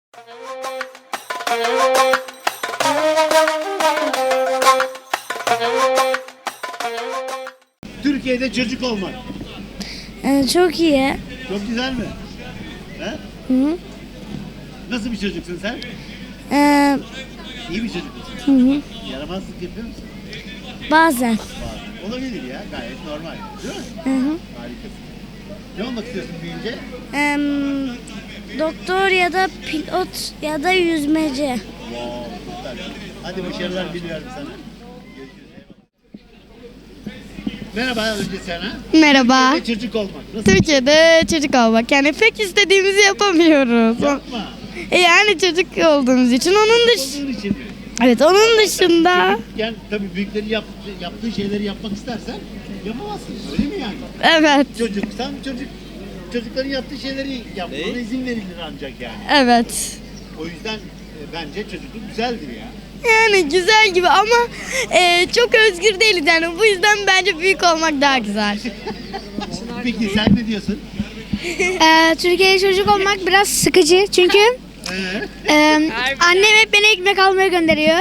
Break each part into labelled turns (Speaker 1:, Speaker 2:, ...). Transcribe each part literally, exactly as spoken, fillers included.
Speaker 1: Türkiye'de çocuk olmak.
Speaker 2: Ee, çok iyi.
Speaker 1: Çok güzel mi? He?
Speaker 2: Hı.
Speaker 1: Nasıl bir çocuksun sen?
Speaker 2: Ee,
Speaker 1: İyi bir çocuk musun?
Speaker 2: hı hı.
Speaker 1: Yaramazlık yapıyor musun?
Speaker 2: Bazen.
Speaker 1: Var. Olabilir ya. Gayet normal. Değil mi?
Speaker 2: Hı hı.
Speaker 1: Harikasın. Ne olmak istiyorsun büyüyünce?
Speaker 2: Ee, doktor ya da pilot ya da yüzmeci.
Speaker 1: Wow, süper. Hadi başarılar diliyorum sana. Görüşürüz. Eyvallah. Merhaba önce sana.
Speaker 3: Merhaba.
Speaker 1: Türkiye'de çocuk olmak. Nasıl?
Speaker 3: Türkiye'de çocuk olmak. Yani pek istediğimizi yapamıyoruz.
Speaker 1: Yapma.
Speaker 3: E yani çocuk olduğumuz için onun dış.
Speaker 1: Olduğun için mi?
Speaker 3: Evet, onun dışında.
Speaker 1: Yani tabii büyüklerin yap, yaptığı şeyleri yapmak istersen yapamazsın. Öyle mi yani?
Speaker 3: Evet.
Speaker 1: Çocuksan çocuk çocukların yaptığı şeyleri yapmana izin verilir ancak yani.
Speaker 3: Evet.
Speaker 1: O yüzden e, bence çocukluk güzeldir ya.
Speaker 3: Yani güzel gibi ama e, çok özgür değiliz yani. Bu yüzden bence büyük olmak daha güzel.
Speaker 1: Peki sen ne diyorsun?
Speaker 2: Ee, Türkiye'de çocuk olmak biraz sıkıcı çünkü
Speaker 1: Ee?
Speaker 2: e, annem hep beni ekmek almaya gönderiyor.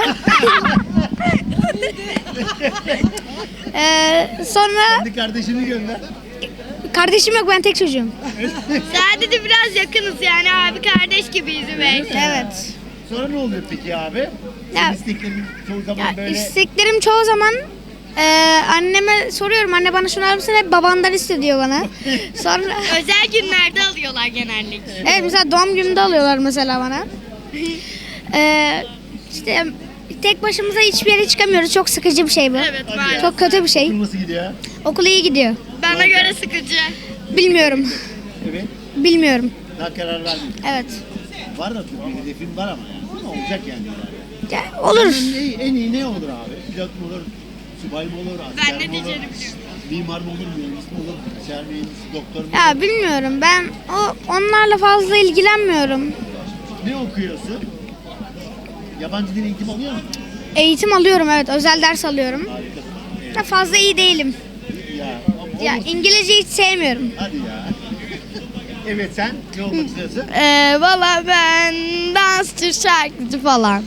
Speaker 2: ee, sonra
Speaker 1: Kendi kardeşini gönder.
Speaker 2: kardeşim yok, ben tek çocuğum.
Speaker 3: Sadece biraz yakınız yani abi kardeş gibiyiz belki.
Speaker 2: Evet.
Speaker 1: Sonra ne oluyor peki abi?
Speaker 2: Ya-
Speaker 1: Senin isteklerin çoğu zaman
Speaker 2: Ya,
Speaker 1: böyle...
Speaker 2: isteklerim çoğu zaman e, anneme soruyorum, anne bana şunu alır mısın, hep babandan iste diyor bana. Sonra
Speaker 3: Özel günlerde alıyorlar genellikle.
Speaker 2: evet, mesela doğum gününde alıyorlar mesela bana. Ee, işte tek başımıza hiçbir yere çıkamıyoruz. Çok sıkıcı bir şey bu.
Speaker 3: Evet
Speaker 1: Hadi
Speaker 3: maalesef.
Speaker 1: ya.
Speaker 2: Çok kötü bir şey.
Speaker 1: Okul nasıl gidiyor?
Speaker 2: Okul iyi gidiyor.
Speaker 3: Bana göre sıkıcı.
Speaker 2: Bilmiyorum.
Speaker 1: Evet.
Speaker 2: Bilmiyorum.
Speaker 1: Daha karar vermedim.
Speaker 2: Evet.
Speaker 1: Var da tabii bir hedefin var ama yani. Ama olacak yani.
Speaker 2: Ya, olur.
Speaker 1: En iyi, en iyi ne olur abi? Pilot mu olur? Subay mı olur? Asker
Speaker 3: Ben ne
Speaker 1: mi olur?
Speaker 3: diyeceğimi biliyorum.
Speaker 1: Mimar mı olur? Mühendis mi olur? Asker mühendis, doktor mu olur?
Speaker 2: Ya bilmiyorum. Ben o onlarla fazla ilgilenmiyorum.
Speaker 1: Ne okuyorsun? Yabancı dil eğitimi alıyor musun?
Speaker 2: Eğitim alıyorum, evet. Özel ders alıyorum.
Speaker 1: Harikasın.
Speaker 2: Da fazla iyi değilim.
Speaker 1: Ya,
Speaker 2: Ya
Speaker 1: olursun.
Speaker 2: İngilizce hiç sevmiyorum.
Speaker 1: Hadi ya. Evet sen ne olmak istiyorsun?
Speaker 3: Ee, Valla ben dansçı, şarkıcı falan.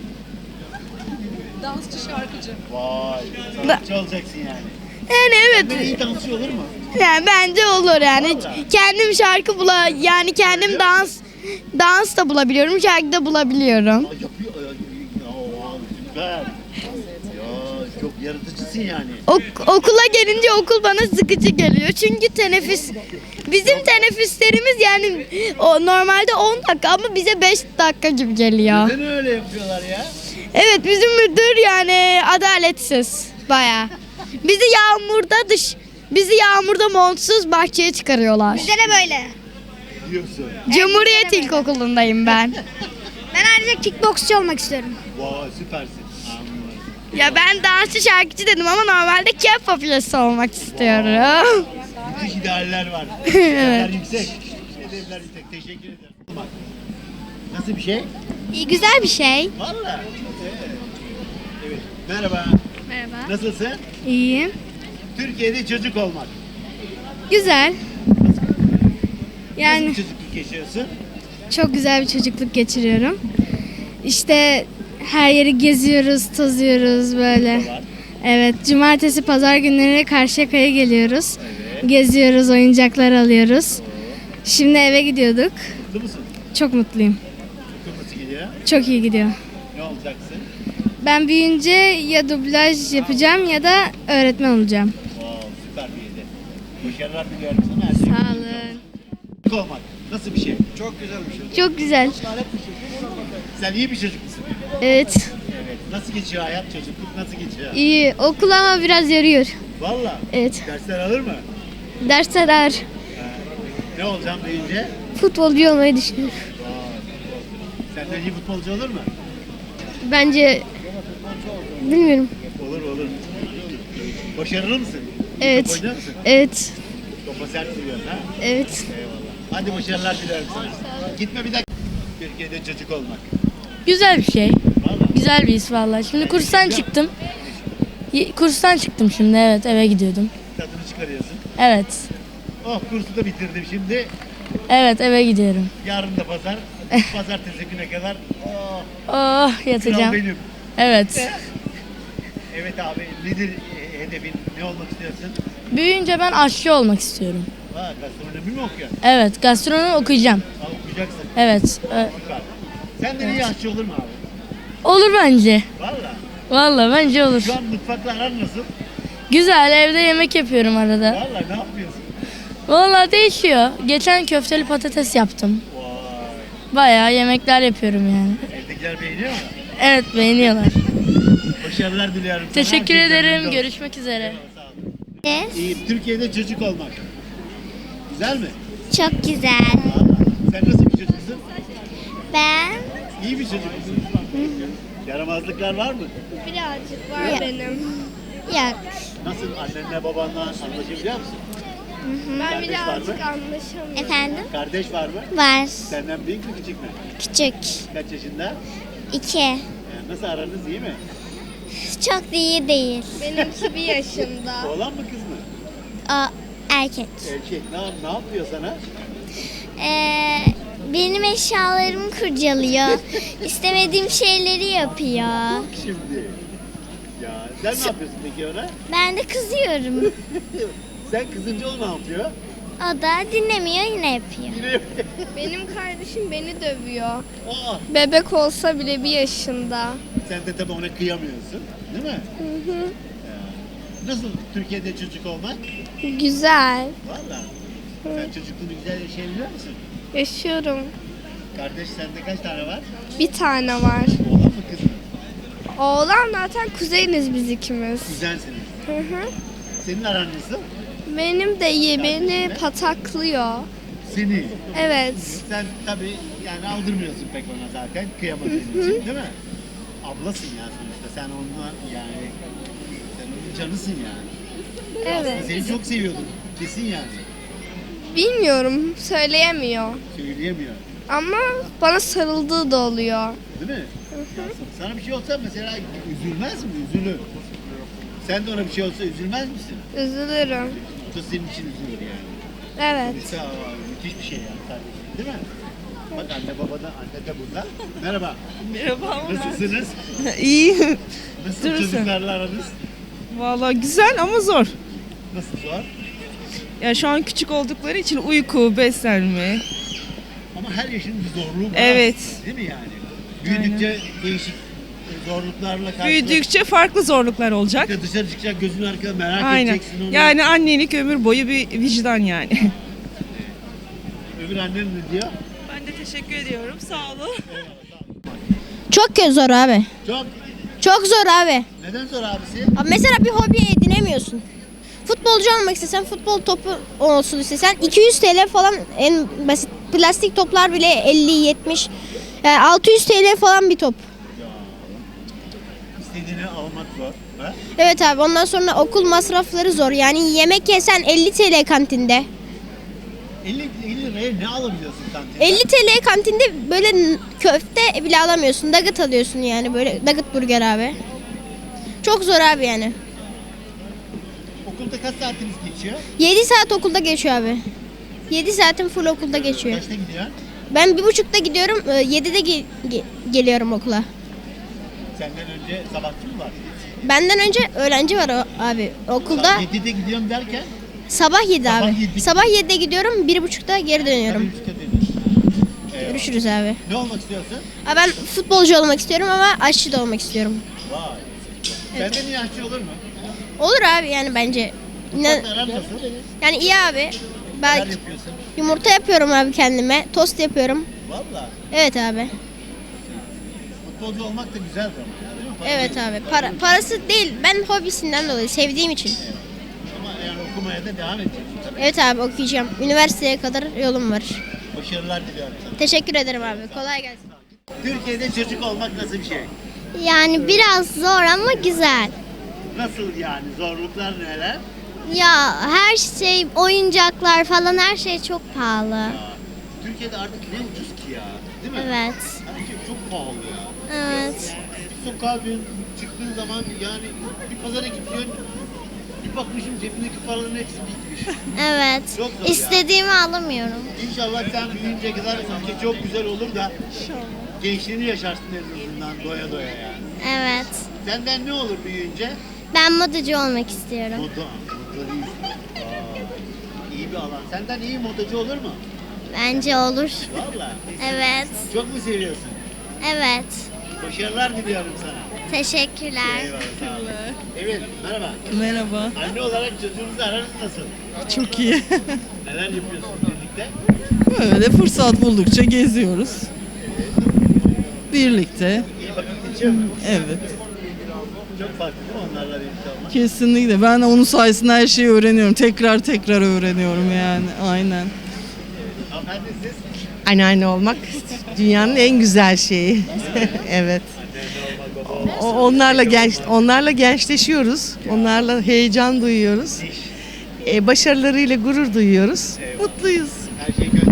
Speaker 1: Vay. Sanatçı olacaksın yani.
Speaker 3: Yani evet.
Speaker 1: Böyle iyi dansçı olur mu?
Speaker 3: Yani bence olur yani.
Speaker 1: Vallahi.
Speaker 3: Kendim şarkı bula yani kendim dans dans da bulabiliyorum, şarkı da bulabiliyorum.
Speaker 1: Aa, yapıyor. Aa, aa, süper. Ya çok yaratıcısın yani.
Speaker 3: Ok- okula gelince okul bana sıkıcı geliyor. Çünkü teneffüs bizim teneffüslerimiz yani o normalde on dakika ama bize beş dakika gibi geliyor.
Speaker 1: Neden öyle yapıyorlar ya?
Speaker 3: Evet, bizim müdür yani adaletsiz bayağı. Bizi yağmurda dış bizi yağmurda montsuz bahçeye çıkarıyorlar.
Speaker 2: Bize de böyle.
Speaker 1: Diyorsun.
Speaker 3: Cumhuriyet
Speaker 2: bize de böyle.
Speaker 3: İlkokulu'ndayım ben.
Speaker 2: Ben ayrıca kickboksçu olmak istiyorum.
Speaker 1: Vay süpersin. Anladım.
Speaker 3: Ya ben dansçı şarkıcı dedim ama normalde K-pop üyesi olmak istiyorum.
Speaker 1: Müthiş idealler var. Hedefler yüksek. Hedefler yüksek. Teşekkür ederim. Bak. Nasıl bir şey?
Speaker 2: İyi, güzel bir şey.
Speaker 1: Vallahi. Evet. Evet. Merhaba.
Speaker 2: Merhaba.
Speaker 1: Nasılsın?
Speaker 2: İyiyim.
Speaker 1: Türkiye'de çocuk olmak.
Speaker 2: Güzel.
Speaker 1: Nasıl
Speaker 2: Yani
Speaker 1: bir çocukluk yaşıyorsun?
Speaker 2: çok güzel bir çocukluk geçiriyorum. İşte her yeri geziyoruz, tozuyoruz böyle.
Speaker 1: Var.
Speaker 2: Evet, cumartesi, pazar günleri Karşıyaka'ya geliyoruz.
Speaker 1: Evet.
Speaker 2: Geziyoruz, oyuncaklar alıyoruz. Şimdi eve gidiyorduk.
Speaker 1: Mutlu musun?
Speaker 2: Çok mutluyum.
Speaker 1: Okul nasıl gidiyor?
Speaker 2: Çok iyi gidiyor.
Speaker 1: Ne olacaksın?
Speaker 2: Ben büyüyünce ya dublaj yapacağım ya da öğretmen olacağım.
Speaker 1: Wow, süper bir hedef. Başarılar diliyorum sana. Her şey
Speaker 2: Sağ
Speaker 1: güzel
Speaker 2: olun.
Speaker 1: Çocuk olmak nasıl bir şey?
Speaker 4: Çok güzel bir şey.
Speaker 2: Çok güzel.
Speaker 1: Sen iyi bir çocuk musun?
Speaker 2: Evet.
Speaker 1: Evet. Nasıl geçiyor hayat? Çocukluk nasıl geçiyor?
Speaker 2: İyi. Okul ama biraz yoruyor.
Speaker 1: Valla.
Speaker 2: Evet.
Speaker 1: Dersler alır mı?
Speaker 2: Dersler ağır.
Speaker 1: Ne olacağım deyince?
Speaker 2: Futbolcu olmayı düşünüyorum.
Speaker 1: Vay. Senden iyi futbolcu olur mu?
Speaker 2: Bence bilmiyorum.
Speaker 1: Olur olur. Başarılı mısın?
Speaker 2: Evet.
Speaker 1: Top oynar mısın?
Speaker 2: Evet.
Speaker 1: Topa sert vuruyorsun ha?
Speaker 2: Evet.
Speaker 1: Eyvallah. Hadi başarılar dilerim sana. Gitme bir dakika. Türkiye'de çocuk olmak.
Speaker 3: Güzel bir şey.
Speaker 1: Valla.
Speaker 3: Güzel bir his vallahi. Şimdi kurstan çıktım. Y- Kurstan çıktım şimdi, evet, eve gidiyordum.
Speaker 1: Tadını çıkarıyorsun.
Speaker 3: Evet.
Speaker 1: Oh kursu da bitirdim şimdi.
Speaker 3: Evet, eve gidiyorum.
Speaker 1: Yarın da pazar. Pazartesi güne kadar oh,
Speaker 4: Oh
Speaker 1: kral
Speaker 4: yatacağım.
Speaker 1: benim.
Speaker 4: Evet.
Speaker 1: Evet abi, nedir e, hedefin? Ne olmak istiyorsun?
Speaker 4: Büyüyünce ben aşçı olmak istiyorum.
Speaker 1: Ha, gastronomi mi okuyorsun?
Speaker 4: Evet, gastronomi okuyacağım.
Speaker 1: Ha, okuyacaksın.
Speaker 4: Evet. e,
Speaker 1: Süper. Senden iyi aşçı olur mu abi?
Speaker 4: Olur bence.
Speaker 1: Valla.
Speaker 4: Vallahi bence olur.
Speaker 1: Şu an mutfakla aran nasıl?
Speaker 4: Güzel, evde yemek yapıyorum arada.
Speaker 1: Valla ne yapıyorsun?
Speaker 4: Vallahi değişiyor. Geçen köfteli patates yaptım.
Speaker 1: Vay.
Speaker 4: Bayağı yemekler yapıyorum yani.
Speaker 1: Evdekiler beğeniyor mu?
Speaker 4: Evet, beğeniyorlar.
Speaker 1: Başarılar diliyorum sana.
Speaker 4: Teşekkür
Speaker 1: Herkes
Speaker 4: ederim.
Speaker 1: memnun olsun.
Speaker 4: Görüşmek üzere.
Speaker 1: Sağ ol.
Speaker 2: Evet.
Speaker 1: İyi, Türkiye'de çocuk olmak. Güzel mi?
Speaker 2: Çok güzel.
Speaker 1: Valla. Sen nasıl bir çocuksun?
Speaker 2: Ben
Speaker 1: İyi bir çocuk musun? Yaramazlıklar var mı?
Speaker 3: Birazcık var benim.
Speaker 2: yok.
Speaker 1: Nasıl annenle babanla anlaşabiliyor musun?
Speaker 3: Ben
Speaker 1: Kardeş var mı?
Speaker 3: birazcık anlaşamıyorum.
Speaker 2: Efendim?
Speaker 1: Kardeş var mı?
Speaker 2: Var.
Speaker 1: Senden büyük mü küçük mü?
Speaker 2: Küçük.
Speaker 1: Kaç yaşında?
Speaker 2: İki.
Speaker 1: Ee, nasıl aranız iyi mi?
Speaker 2: Çok da iyi değil.
Speaker 3: Benimki bir yaşında.
Speaker 1: Oğlan mı kız mı?
Speaker 2: O erkek.
Speaker 1: Erkek. Ne, yap- ne yapıyor sana?
Speaker 2: Ee, benim eşyalarımı kurcalıyor. İstemediğim şeyleri yapıyor.
Speaker 1: Şimdi. Ya sen ne yapıyorsun peki ona?
Speaker 2: Ben de kızıyorum.
Speaker 1: Sen kızınca o ne yapıyor?
Speaker 2: O da dinlemiyor, yine yapıyor.
Speaker 1: Yine
Speaker 3: Benim kardeşim beni dövüyor.
Speaker 1: Aa,
Speaker 3: Bebek olsa bile bir yaşında.
Speaker 1: sen de tabii ona kıyamıyorsun. Değil mi?
Speaker 3: Hı hı.
Speaker 1: Ya. Nasıl Türkiye'de çocuk olmak?
Speaker 3: Güzel.
Speaker 1: Valla. Sen çocukluğunu güzel yaşayabiliyor musun?
Speaker 3: Yaşıyorum.
Speaker 1: Kardeş sende kaç tane var?
Speaker 3: Bir tane var.
Speaker 1: Oğlan mı kız mı?
Speaker 3: Oğlan zaten kuzeniz biz ikimiz.
Speaker 1: Güzelsiniz.
Speaker 3: Hı hı.
Speaker 1: Senin aran nasıl?
Speaker 3: Benim de iyi beni pataklıyor.
Speaker 1: Seni.
Speaker 3: Evet.
Speaker 1: Sen tabii yani aldırmıyorsun pek ona zaten kıyamadığın için değil mi? Ablasın ya sonuçta. Sen onunla yani sen onun canısın yani.
Speaker 3: Evet.
Speaker 1: Seni çok seviyordum. Kesin yani.
Speaker 3: Bilmiyorum, söyleyemiyor.
Speaker 1: Söyleyemiyor.
Speaker 3: Ama bana sarıldığı da oluyor.
Speaker 1: Değil mi? Ya sana bir şey olsa mesela üzülmez mi? Üzülür. Sen de ona bir şey olsa üzülmez misin?
Speaker 3: Üzülürüm.
Speaker 1: O da senin için üzülür yani.
Speaker 3: Evet.
Speaker 1: Mesela müthiş bir şey yani kardeşim değil mi? Bak anne baba da anne de burada. Merhaba.
Speaker 5: Merhaba.
Speaker 1: Nasılsınız?
Speaker 5: İyi.
Speaker 1: Nasıl
Speaker 5: Durursun.
Speaker 1: çocuklarla aranız?
Speaker 5: Vallahi güzel ama zor.
Speaker 1: Nasıl zor?
Speaker 5: Ya şu an küçük oldukları için uyku, beslenme.
Speaker 1: Ama her yaşın bir zorluğu var.
Speaker 5: Evet.
Speaker 1: aslında, Değil mi yani? Büyüdükçe değişik e, zorluklarla karşılaştıkça
Speaker 5: Büyüdükçe farklı zorluklar olacak.
Speaker 1: dışarı çıkacak gözün arkada merak
Speaker 5: Aynen.
Speaker 1: edeceksin onu.
Speaker 5: Yani annelik ömür boyu bir vicdan yani.
Speaker 1: Öbür annen ne diyor?
Speaker 5: Ben de teşekkür ediyorum. Sağ olun.
Speaker 6: Çok zor abi.
Speaker 1: Çok.
Speaker 6: Çok zor abi.
Speaker 1: Neden zor abisi?
Speaker 6: Abi mesela bir hobi edinemiyorsun. Futbolcu olmak istesen, futbol topu olsun istesen iki yüz T L falan en basit. Plastik toplar bile elli yetmiş. Yani altı yüz T L falan bir top.
Speaker 1: İstediğini almak zor. Ha?
Speaker 6: Evet abi ondan sonra okul masrafları zor. Yani yemek yesen elli T L kantinde.
Speaker 1: elli, elli liraya ne alabiliyorsun kantinde?
Speaker 6: elli T L kantinde böyle n- köfte bile alamıyorsun. Nugget alıyorsun yani böyle nugget burger abi. Çok zor abi yani.
Speaker 1: Okulda kaç saatiniz geçiyor?
Speaker 6: yedi saat okulda geçiyor abi. yedi saatin full okulda geçiyor.
Speaker 1: Kaçta gidiyor?
Speaker 6: Ben bir buçukta gidiyorum, e, yedide ge- ge- geliyorum okula.
Speaker 1: Senden önce sabahçı mı var?
Speaker 6: Benden önce öğrenci var o- abi okulda.
Speaker 1: yedide gidiyorum derken
Speaker 6: Sabah yedi
Speaker 1: Sabah
Speaker 6: abi.
Speaker 1: yedi.
Speaker 6: Sabah yedide gidiyorum, bir buçukta geri dönüyorum.
Speaker 1: tabii üçte dönüyorsun. Eyvallah.
Speaker 6: Görüşürüz abi.
Speaker 1: Ne olmak istiyorsun?
Speaker 6: Abi ben futbolcu olmak istiyorum ama aşçı da olmak istiyorum.
Speaker 1: Vay. Senden iyi aşçı olur mu?
Speaker 6: Olur abi yani bence. Ne-
Speaker 1: Mutfakla aran nasıl?
Speaker 6: yani iyi abi.
Speaker 1: Neler
Speaker 6: Ben
Speaker 1: yapıyorsun?
Speaker 6: yumurta yapıyorum abi kendime. Tost yapıyorum.
Speaker 1: Valla.
Speaker 6: Evet abi.
Speaker 1: Futbolcu olmak da güzel bir ama ya, değil mi? Para
Speaker 6: Evet
Speaker 1: değil.
Speaker 6: abi. Para, parası değil. Ben hobisinden dolayı sevdiğim için.
Speaker 1: Ama yani okumaya da devam edeceksin tabii.
Speaker 6: Evet abi okuyacağım. Üniversiteye kadar yolum var.
Speaker 1: Başarılar diliyorum sana.
Speaker 6: Teşekkür ederim abi. Kolay gelsin.
Speaker 1: Türkiye'de çocuk olmak nasıl bir şey?
Speaker 2: Yani biraz zor ama güzel.
Speaker 1: Nasıl yani? Zorluklar neler?
Speaker 2: Ya her şey, oyuncaklar falan her şey çok pahalı.
Speaker 1: Ya, Türkiye'de artık ne ucuz ki ya? Değil mi?
Speaker 2: Evet.
Speaker 1: Her şey çok pahalı ya.
Speaker 2: Evet.
Speaker 1: Bir sokağa bir çıktığın zaman yani bir pazara gidiyorsun, Bir bakmışım cebindeki paraların hepsi bitmiş.
Speaker 7: Evet.
Speaker 1: Çok zor ya.
Speaker 7: İstediğimi alamıyorum.
Speaker 1: İnşallah sen büyüyünce kadar ülke çok güzel olur da gençliğini yaşarsın en azından doya doya yani.
Speaker 7: Evet.
Speaker 1: Senden ne olur büyüyünce?
Speaker 7: Ben modacı olmak istiyorum.
Speaker 1: Moda. Moda değil. Aa, iyi bir alan. Senden iyi modacı olur mu?
Speaker 7: Bence olur.
Speaker 1: Valla.
Speaker 7: Evet.
Speaker 1: Çok mu seviyorsun?
Speaker 7: Evet.
Speaker 1: Başarılar diliyorum sana.
Speaker 7: Teşekkürler.
Speaker 1: Eyvallah. Sağ ol. Evet. Merhaba.
Speaker 5: Merhaba.
Speaker 1: Anne olarak çocuğunuzu ararız nasıl?
Speaker 5: Çok iyi.
Speaker 1: Neler yapıyorsunuz birlikte?
Speaker 5: Böyle fırsat buldukça geziyoruz. Birlikte.
Speaker 1: İyi vakit geçiyor mu?
Speaker 5: Evet.
Speaker 1: Çok farklı değil mi onlarla birlikte olmak?
Speaker 5: Kesinlikle. Ben de onun sayesinde her şeyi öğreniyorum. Tekrar tekrar öğreniyorum yani. Aynen.
Speaker 1: Hanımefendi siz?
Speaker 8: Anneanne olmak dünyanın en güzel şeyi. Evet. O- Onlarla genç, onlarla gençleşiyoruz. Onlarla heyecan duyuyoruz. E, başarılarıyla gurur duyuyoruz. Mutluyuz.
Speaker 1: Her şey